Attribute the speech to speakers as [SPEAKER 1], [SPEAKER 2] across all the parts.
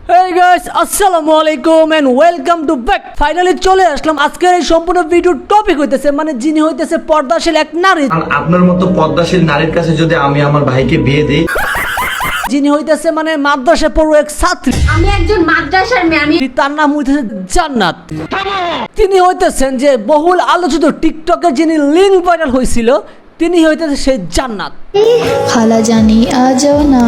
[SPEAKER 1] Hey guys, আসসালামু আলাইকুম and welcome to back. Finally চলে আসলাম আজকের এই সম্পূর্ণ ভিডিও টপিক হইতেছে মানে যিনি হইতেছে পর্দাশীল এক নারী।
[SPEAKER 2] আপনার মতো পর্দাশীল নারীর কাছে যদি আমি আমার ভাইকে বিয়ে দেই,
[SPEAKER 1] যিনি হইতেছে মানে মাদ্রাসা পড়ুয়া এক ছাত্রী।
[SPEAKER 3] আমি একজন মাদ্রাসার মেয়ে, আমি
[SPEAKER 1] তার নাম হইতেছে জান্নাত। তিনি হইতেছেন যে বহুল আলোচিত টিকটকের যিনি লিঙ্ক ভাইরাল হয়েছিল, তিনি হইতেছে সেই জান্নাত।
[SPEAKER 4] খালা জানি আ যাও না।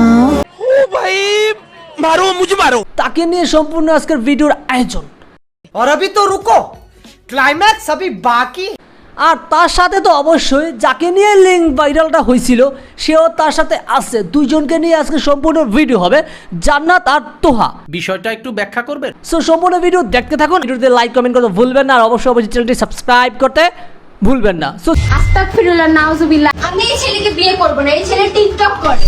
[SPEAKER 5] मारो मुझे मारो।
[SPEAKER 1] তাকে নিয়ে সম্পূর্ণ আজকের ভিডিওর আয়োজন।
[SPEAKER 5] और अभी तो रुको, क्लाइमैक्स अभी बाकी।
[SPEAKER 1] আর তার সাথে তো অবশ্যই যাকে নিয়ে লিঙ্ক ভাইরালটা হয়েছিল সেও তার সাথে আছে। দুইজনকে নিয়ে আজকে সম্পূর্ণ ভিডিও হবে, জান্নাত আর তোহা।
[SPEAKER 5] বিষয়টা একটু ব্যাখ্যা করবেন।
[SPEAKER 1] সো সম্পূর্ণ ভিডিও দেখতে থাকুন, ভিডিওতে লাইক কমেন্ট করতে ভুলবেন না, আর অবশ্যই চ্যানেলটি সাবস্ক্রাইব করতে ভুলবেন না। সো
[SPEAKER 3] আস্তাগফিরুল্লাহ নাউজুবিল্লাহ, আমি এই ছেলেকে বিয়ে করব না, এই ছেলে টিকটক করে।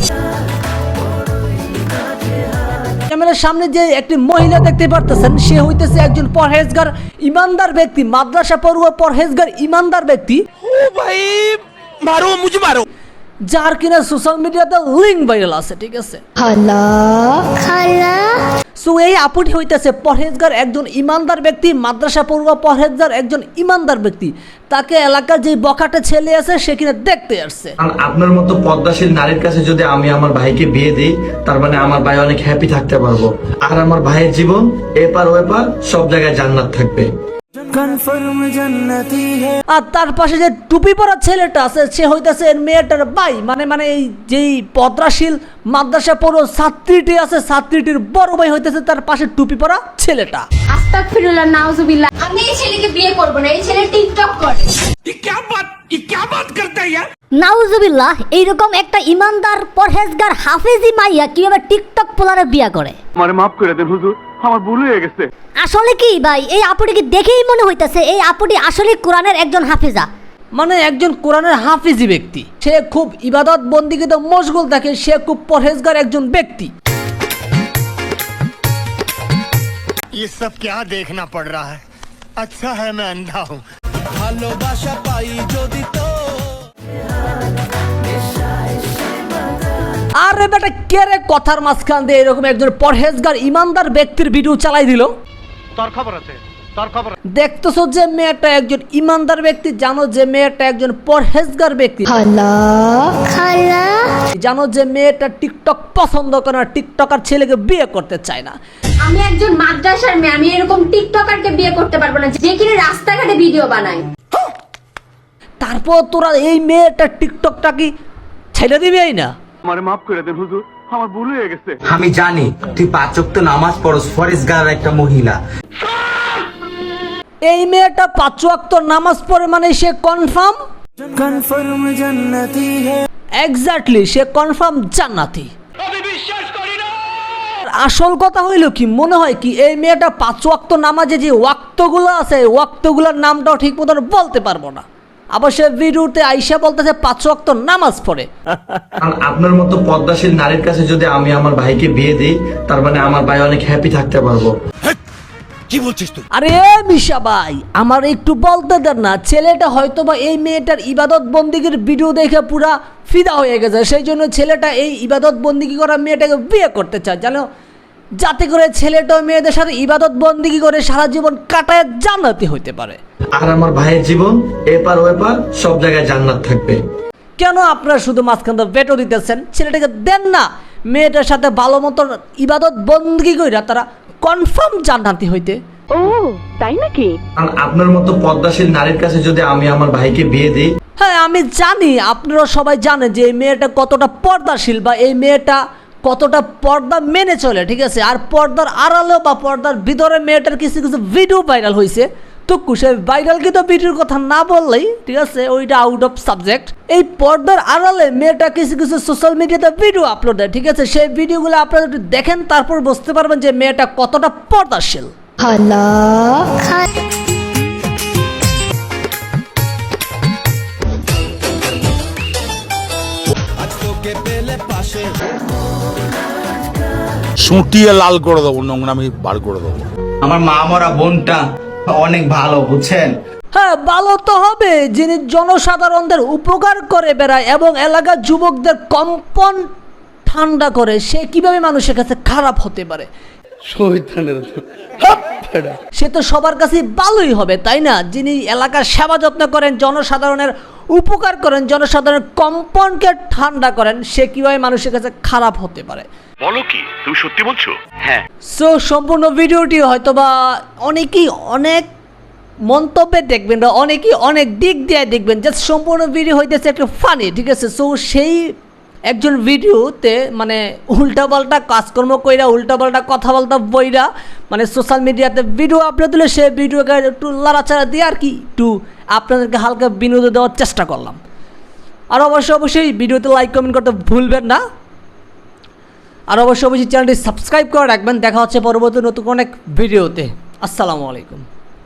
[SPEAKER 1] ক্যামেরার সামনে যে একটি মহিলা দেখতে পারতেছেন, সে হইতেছে একজন পরহেজগার ইমানদার ব্যক্তি, মাদ্রাসা পড়ুয়া পরহেজগার ইমানদার ব্যক্তি।
[SPEAKER 5] ओ भाई मारो मुझे मारो।
[SPEAKER 1] যার কিনা সোশ্যাল মিডিয়াতে লিঙ্ক ভাইরাল আছে, ঠিক আছে।
[SPEAKER 4] খালা খালা
[SPEAKER 1] সো এই আপুটি হইতেছে পরহেজগার একজন ইমানদার ব্যক্তি, মাদ্রাসা পড়ুয়া পরহেজগার একজন ইমানদার ব্যক্তি। তাকে এলাকার যে বখাটে ছেলে আছে সে কিনা দেখতে আসছে।
[SPEAKER 2] আপনার মতো পর্দাশীল নারীর কাছে যদি আমি আমার ভাইকে বিয়ে দিই, তার মানে আমার ভাই অনেক হ্যাপি থাকতে পারবো, আর আমার ভাইয়ের জীবন এপার ওপার সব জায়গায় জান্নাত থাকবে।
[SPEAKER 1] আর তার পাশে যে টুপি পরা ছেলেটা আছে সে হইতেছে এর মেয়েটার ভাই, মানে এই যেই পদ্রাশীল মাদ্রাসা পড়ুয়া ছাত্রীটি আছে, ছাত্রীটির বড় ভাই হইতেছে তার পাশে টুপি পরা ছেলেটা।
[SPEAKER 3] আস্তাগফিরুল্লাহ নাউজুবিল্লাহ, আমি এই ছেলেকে বিয়ে করব না, এই ছেলে টিকটক করে।
[SPEAKER 5] ये क्या बात करता है यार।
[SPEAKER 6] নাউজুবিল্লাহ, এইরকম একটা ইমানদার পরহেজগার হাফেজি মাইয়া কিভাবে টিকটক পোলারে বিয়া করে?
[SPEAKER 7] আমারে মাফ করে দেন হুজুর, আমার ভুল হয়ে গেছে।
[SPEAKER 6] আসলে কি ভাই, এই আপুটিকে দেখেই মনে হইতাছে এই আপুটি আসলে কোরআনের একজন হাফেজা,
[SPEAKER 1] মানে একজন কোরআনের হাফিজি ব্যক্তি। সে খুব ইবাদত বন্দিগিতে মশগুল থাকে, সে খুব পরহেজগার একজন ব্যক্তি।
[SPEAKER 8] ये सब क्या देखना पड़ रहा है। अच्छा है मैं अंधा हूँ।
[SPEAKER 1] আরে বেটা কে রে কথার মাঝখান দিয়ে এরকম একজন পরহেজগার ইমানদার ব্যক্তির ভিডিও চালাই দিল?
[SPEAKER 8] তোর খবর আছে, তোর খবর।
[SPEAKER 1] দেখতেছো যে মেয়েটা একজন ইমানদার ব্যক্তি, জানো যে মেয়েটা একজন পরহেজগার ব্যক্তি,
[SPEAKER 4] খালা খালা
[SPEAKER 1] জানো যে মেয়েটা টিকটক পছন্দ করে না, টিকটকার ছেলেকে বিয়ে করতে চায় না।
[SPEAKER 3] আমি একজন মাদ্রাসার মেয়ে, আমি এরকম টিকটকারকে বিয়ে করতে পারবো না যে কিনা রাস্তাঘাটে ভিডিও বানায়।
[SPEAKER 1] তারপর তোরা এই মেয়েটা টিকটকটা কি ছেড়ে দিবেই না?
[SPEAKER 7] আমারে মাফ করে দেন হুজুর, আমার ভুল হয়ে গেছে।
[SPEAKER 9] আমি জানি তুই 5 ওয়াক্ত নামাজ পড়স, ফরেজগার একটা মহিলা।
[SPEAKER 1] এই মেয়েটা 5 ওয়াক্ত নামাজ পড়ে মানে সে কনফার্ম জান্নাতি। এক্স্যাক্টলি, সে কনফার্ম জান্নাতি। আসল কথা হইল কি, মনে হয় কি এই মেয়েটা 5 ওয়াক্ত নামাজে যে ওয়াক্তগুলো আছে, ওয়াক্তগুলোর নামটাও ঠিক মতন বলতে পারবো না। আবার সে ভিডিওতে আইসা বলতেছে 5 ওয়াক্ত নামাজ পড়ে।
[SPEAKER 2] আপনার মতো পর্দাশীল নারীর কাছে যদি আমি আমার ভাইকে বিয়ে দিই, তার মানে আমার ভাই অনেক হ্যাপি থাকতে পারবো।
[SPEAKER 5] কি বলছিস তুই?
[SPEAKER 1] আরে মিশা ভাই, আমার একটু বলতে দেন না। ছেলেটা হয়তো বা এই মেয়েটার ইবাদত বন্দিগির ভিডিও দেখে পুরা ফিদা হয়ে গেছে, সেই জন্য ছেলেটা এই ইবাদত বন্দিগি করা মেয়েটাকে বিয়ে করতে চায়, জানো, যাতে করে ছেলেটা মেয়েদের সাথে ইবাদত বন্দিগি করে সারা জীবন কাটায় জান্নাতি হইতে পারে,
[SPEAKER 2] আর আমার ভাইয়ের জীবন এপার ওপার সব জায়গায় জান্নাত থাকবে।
[SPEAKER 1] কেন আপনারা শুধু মাঝখান থেকে ভেটো দিতেছেন? ছেলেটাকে দেন না, মেয়েটার সাথে ভালো মতন ইবাদত বন্দিগি কইরা তারা কনফার্ম জান্নাতি হইতে।
[SPEAKER 2] আপনার মতো পর্দাশীল নারীর কাছে যদি আমি আমার ভাইকে বিয়ে দিই,
[SPEAKER 1] হ্যাঁ আমি জানি, আপনারা সবাই জানেন যে এই মেয়েটা কতটা পর্দাশীল বা এই মেয়েটা কতটা পর্দা মেনে চলে, ঠিক আছে। আর পর্দার আড়ালেও বা পর্দার ভিতরে মেয়েটার কিছু কিছু ভিডিও ভাইরাল হয়েছে, তো সে ভাইরাল কিন্তু ভিডিওর কথা না বললেই, ঠিক আছে, ওইটা আউট অফ সাবজেক্ট। এই পর্দার আড়ালে মেয়েটা কিছু কিছু সোশ্যাল মিডিয়াতে ভিডিও আপলোড দেয়, ঠিক আছে। সেই ভিডিওগুলো আপনারা একটু দেখেন, তারপর বুঝতে পারবেন যে মেয়েটা কতটা পর্দাশীল।
[SPEAKER 4] খালা খালা
[SPEAKER 10] সুটিয়ে লাল করে দেবো, নোংরামি বার করে দেবো।
[SPEAKER 9] আমার মা মরা বোনটা অনেক ভালো, বুঝছেন?
[SPEAKER 1] হ্যাঁ ভালো তো হবে, যিনি জনসাধারণদের উপকার করে বেড়ায় এবং এলাকার যুবকদের কম্পন ঠান্ডা করে, সে কিভাবে মানুষের কাছে খারাপ হতে পারে? সে তো সবার কাছে ভালোই হবে, তাই না? যিনি এলাকার সেবা যত্ন করেন, জনসাধারণের উপকার করেন, জনসাধারণের কম্পনকে ঠান্ডা করেন, সে কিভাবে মানুষের কাছে খারাপ হতে পারে?
[SPEAKER 7] বলো কি, তুমি সত্যি বলছো? হ্যাঁ।
[SPEAKER 1] সো সম্পূর্ণ ভিডিওটি হয়তো বা অনেকেই অনেক মন্তব্যে দেখবেন বা অনেকেই অনেক দিক দিয়ে দেখবেন, জাস্ট সম্পূর্ণ ভিডিও হইতেছে একটু ফানি, ঠিক আছে? সো সেই একজন ভিডিওতে মানে উল্টাপাল্টা কাজকর্ম কইরা, উল্টাপাল্টা কথাবার্তা বইরা, মানে সোশ্যাল মিডিয়াতে ভিডিও আপলোড দিলে সেই ভিডিওকে একটু লাড়াচাড়া দিয়ে আর কি একটু আপনাদেরকে হালকা বিনোদন দেওয়ার চেষ্টা করলাম। আর অবশ্যই ভিডিওতে লাইক কমেন্ট করতে ভুলবেন না। আর অবশ্যই চ্যানেলটি সাবস্ক্রাইব করে রাখবেন। দেখা হচ্ছে পরবর্তী নতুন অনেক ভিডিওতে। আসসালামু আলাইকুম।